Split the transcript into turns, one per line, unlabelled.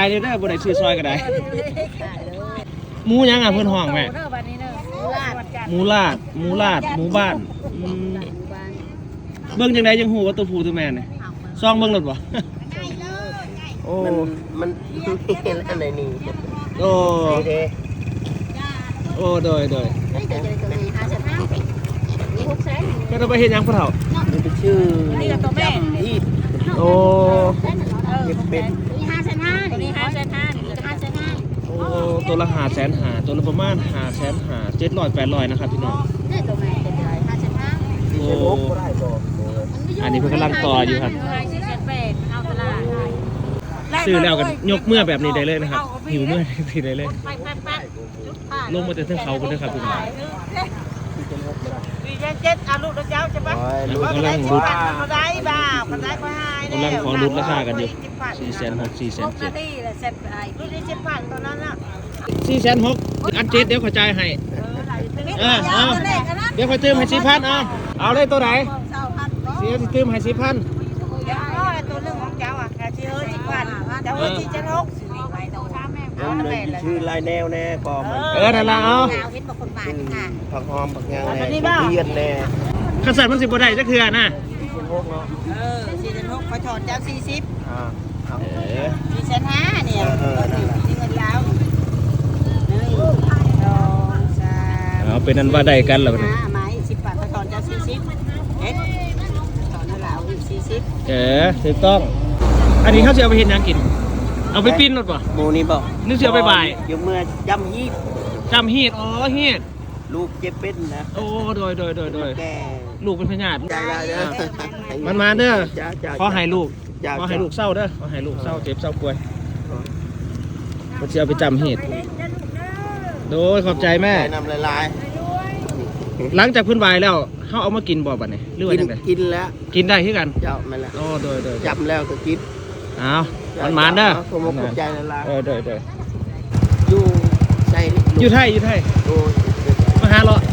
ายเลยเด้อบ่ได้ซื้อซอยก็ได้หมูยังอ่ะเพิ่นห้องแม่หมูลาดหมูบ้านเบิ่งจังไดจังฮู้ว่าตัวผู้ตัวแม่นี่ซองเบิ่งรถบ่โอ้
มันเห็นอะไรนี่
โอ้โอ้โดยก็ต้องไปเฮ็ดหยังพ่อเฒ่า
มันเป็นชื่อจำที่
โอ้
เป็น
โอ้ตัวละ500,000ตัวละประมาณ500,000 700-800นะครับพี่น้องโอ้อันนี้เพิ่นกำลังต่ออยู่ครับซื้อแล้วกันยกเมื่อแบบนี้ได้เลยนะครับหิวเมื่อทีได้เลยลงมาจากเทือกเขากันด้วยครับพี่น้อง
7เอาลูกเจ้าใช่ปะ
กำลังรุด
เขาได้บ่าวเขาได้ก็ให้
กำลังขอรุดราคากันอยู่460,000 470,000
ลูกได้7,000ตอนนั้นน่ะ
460,000อัน7เดี๋ยวขอจ่ายให้เอาเดี๋ยวขอเติมให้4,000เอาเลยตัวไหนเสียเติมให้4,000
ตัวเรื่องของเจ้าอ่ะแค่ชื่อ10,000เจ้า760
ชื่อลายแนวแน่ปอม
นั่นละเอา
ผักหอมผักยางแน่เทียนแน่
ขันสันมัน10บ่ได้จักเทื่อนะ
4,600ขอถอนเจ้า404,500เนี่ยที่เงินแล้ว
เอาเป็นนั้นว่าได้กันแล้วนี่
ไม้10 บาทขอถอนเจ้า40เอ็ดถอนแล้ว
40ถูกต้องอันนี้เขาจะเอาไปเฮ็ดหยังกินเอาไปปิ้นรถป่ะ
โมนี่บอก
นึกเสียไปบ่าย
ยกเมื่อจำฮี
ดอ๋อฮีด
ลูกเจ็บเป็นนะ
โอ้โดยลูกเป็นพญาติ
ใจได้เด้อ
มันมาเด้อขอให้ลูกเศร้าเด้อขอให้ลูกเศร้าเจ็บเศร้าป่วยมันจะเอาไปจำฮีดโดยขอบใจแม่
นำลาย
หลังจากพื้นวายแล้วเขาเอามากินบ่บัดนี้หรือว่าจังได๋
กินแล้ว
กินได้คือกัน
เจ้าแม่ละ
โอ้โดย
จำแล้วก็กิน
เอามันมาเด้อ
ผมขอบใจลาย
โดย
อยู่ไทย
มาหาเลาะ